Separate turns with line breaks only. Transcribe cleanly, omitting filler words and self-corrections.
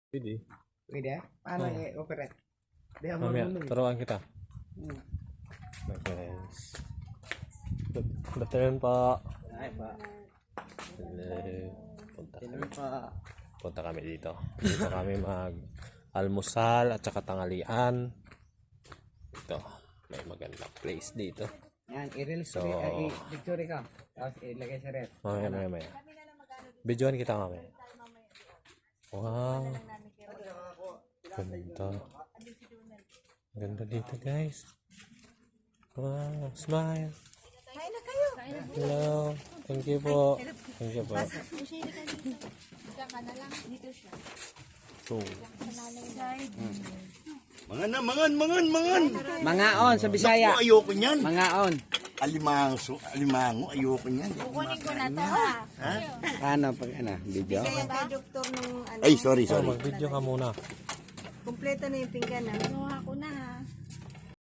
Pwede.
Pwede? Paano i-operate? Di ako
Mamaya,
marunong.
turuan kita. Guys. Good afternoon po.
Ay pa.
Hello. Punta kami.
Pa.
Punta kami dito. Dito kami mag-almusal at saka tangalian. Ito. May magandang place dito.
Yan, i-reels
So,
i-picture ka. Tapos ilagay sa ref.
Mamaya. Videoan kita mamaya. Wow. Ganda. Ganda dito guys. Wow. Smile.
Kain na kayo.
Hello. Thank you po. Thank you po.
Diyan ka na lang. Dito siya.
So,
Mangan.
Mangaon sa Bisaya.
Ako, ayoko niyan.
Mangaon.
Alimango, ayoko niyan.
Kukunin ko na to ha.
Paano pag video?
Kaya kay doktor nung ano.
Ay, sorry.
mag-video ka muna.
Kompleto na yung pinggan na. Nakuha ko